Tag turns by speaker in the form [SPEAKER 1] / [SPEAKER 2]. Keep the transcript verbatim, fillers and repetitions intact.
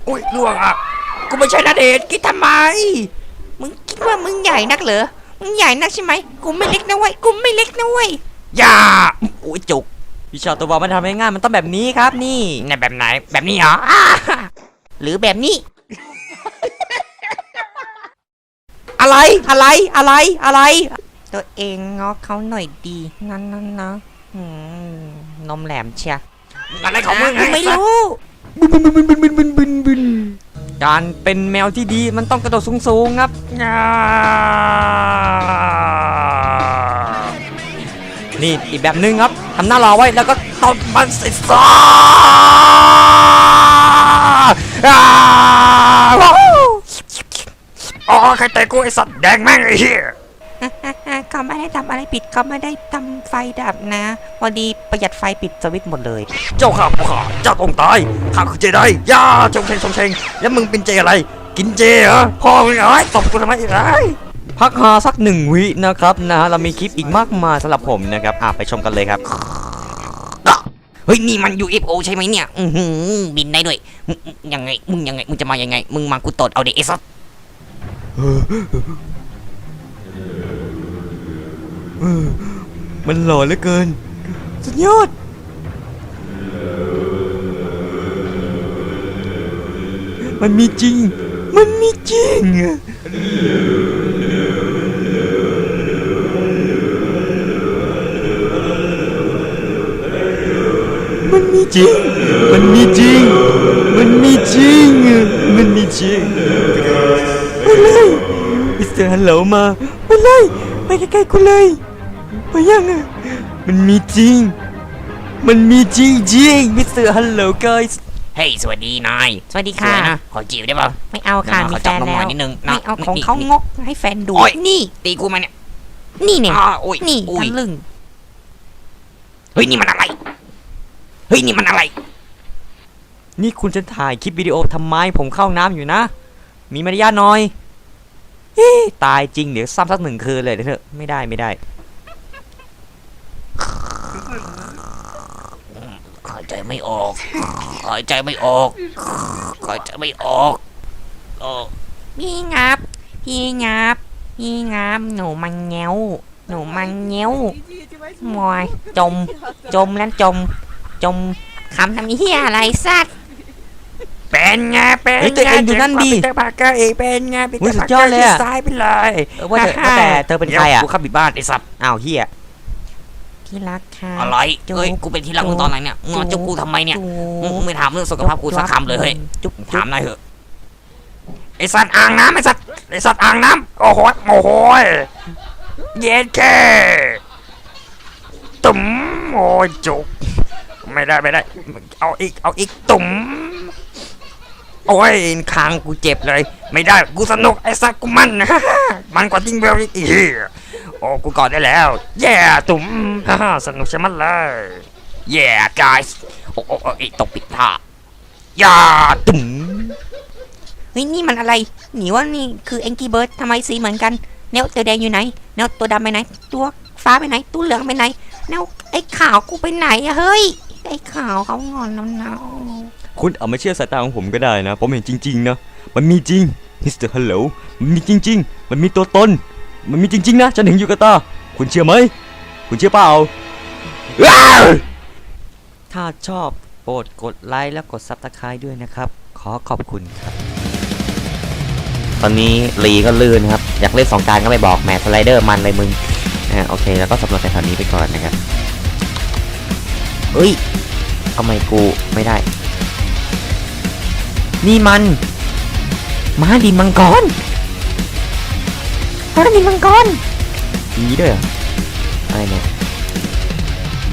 [SPEAKER 1] อุ้ยล่วงอ่ะกูไม่ใช่ณเดชน์คิดทำไมมึงคิดว่ามึงใหญ่นักเหรอมึงใหญ่นักใช่ไหมกูไม่เล็กนะเว้ยกูไม่เล็กนะเว้ยอย่าอุ้ยจุกวิชาตัวบอลมันทำง่ายๆมันต้องแบบนี้ครับนี่ในแบบไหนแบบนี้เหรอหรือแบบนี้ อะไรอะไรอะไรอะไรตัวเองง้อเขาหน่อยดีนั่นนั่นนะนมแหลมเชียอะไรของมึงไม่รู้บึนบึนบึนบึนบึนบึนบึนการเป็นแมวที่ดีมันต้องกระโดดสูงๆครับนี่อีกแบบนึงครับทำหน้ารอไว้แล้วก็ตบมันสิซาอ๋อใครเตะกูไอสัตว์แดงแม่งไอ้เหี้ยเขาไม่ได้ทำอะไรผิดเขาไม่ได้ทำไฟดับนะพอดีประหยัดไฟปิดสวิตช์หมดเลยเจ้าข้าผู้ข้าเจ้าต้องตายข้าคือเจไดย่าชงเชงชงเชงแล้วมึงเป็นเจอะไรกินเจเหรอพ่อมึงเอ้ยตบกูทำไมอีกไอ้พักหาสักหนึ่งวินะครับนะฮะเรามีคลิปอีกมากมายสำหรับผมนะครับอ่ะไปชมกันเลยครับเฮ้ยนี่มัน ยู เอฟ โอ ใช่ไหมเนี่ยอือหือบินได้ด้วยยังไงมึงยังไงมึงจะมายังไงมึงมากูตดเอาเด็กไอ้สัสมันหล่อเหลือเกินสุดยอดมันมีจริงมันมีจริงมันมีจริงมันมีจริงมันมีจริงมันมีจริงไปเลยมิสเตอร์ฮัลโหลมาไปเลยไปใกล้ๆกูเลยไปยังอ่ะมันมีจริงมันมีจริงจริงมิสเตอร์ฮัลโหล guys เฮ้ยสวัสดีนายสวัสดีค่ะขอจีบได้ป่ะไม่เอาค่ะมีแฟนแล้วไม่เอาของเขางกให้แฟนดูนี่ตีกูมาเนี่ยนี่เนี่ยนี่ทะลึ่งเฮ้ยนี่มันอะไรเฮ้ยนี่มันอะไรนี่คุณจะถ่ายคลิปวิดีโอทำไมผมเข้าน้ำอยู่นะมีมารยาทหน่อยตายจริงเดี๋ยวซ้ำสักหนึ่งคืนเลยเถอะไม่ได้ไม่ได้หายใจไม่ออกหายใจไม่ออกหายใจไม่ออกพี่งับพี่งับพี่งับหนูมันเงี้ยวหนูมันเงี้ยวมอยจมจมแล้วจมจมคำทำเหี้ยอะไรสัตว์เป็นไงเป็นไงตัวเองอยู่นั่นดีแต่ปากกาเองเป็นไงเป็นสุดยอดเลยอะซ้ายไปเลยว่าแต่เธอเป็นใครอะกูขับบิดบ้านไอ้สัตว์อ้าวเฮียที่รักค่ะอะไรเฮ้ยกูเป็นที่รักมึงตอนไหนเนี่ยงอจุกกูทำไมเนี่ยมึงไม่ถามเรื่องสุขภาพกูสักคำเลยเฮ้ยจุกถามหน่อยเถอะไอ้สัตว์อ่างน้ำไอ้สัตว์ไอ้สัตว์อ่างน้ำโอ้โหโอ้โหเย็ดแค่ตุ่มโอ้ยจุกไม่ได้ไม่ได้เอาอีกเอาอีกตุ่มโอ้ยคางกูเจ็บเลยไม่ได้กูสนุกไอ้สักกูมันนะมันกว่าจริงเบลอีกโอ้กูกอดได้แล้วแย่ตุ่มสนุกใช่ไหมเลยแย่ guys โอ้โอ้ไอ้ตกปิดท่าย่าตุ่มเฮ้ยนี่มันอะไรหนีว่านี่คือแองกี้เบิร์ดทำไมสีเหมือนกันแนวตัวแดงอยู่ไหนแนวตัวดำไปไหนตัวฟ้าไปไหนตัวเหลืองไปไหนแนวไอ้ขาวกูไปไหนอะเฮ้ยไอ้ขาวเขางอนแล้วนะคุณเอาไม่เชื่อสายตาของผมก็ได้นะผมเห็นจริงๆนะมันมีจริงมิสเตอร์ฮัลโหลมันมีจริงๆมันมีตัวตนมันมีจริงๆนะฉันเห็นอยู่กับตาคุณเชื่อไหมคุณเชื่อเปล่าถ้าชอบโปรดกดไลค์และกดซับสไครบ์ด้วยนะครับขอขอบคุณครับตอนนี้ลีก็ลื่นครับอยากเล่นสองการก็ไม่บอกแหมสไลเดอร์มันเลยมึงนะโอเคแล้วก็สำรวจแถวนี้ไปก่อนนะครับเฮ้ยทำไมกูไม่ได้นี่มันม้าดินมังกรม้าดินมังกรมีด้วยเหรออะไรเนี่ย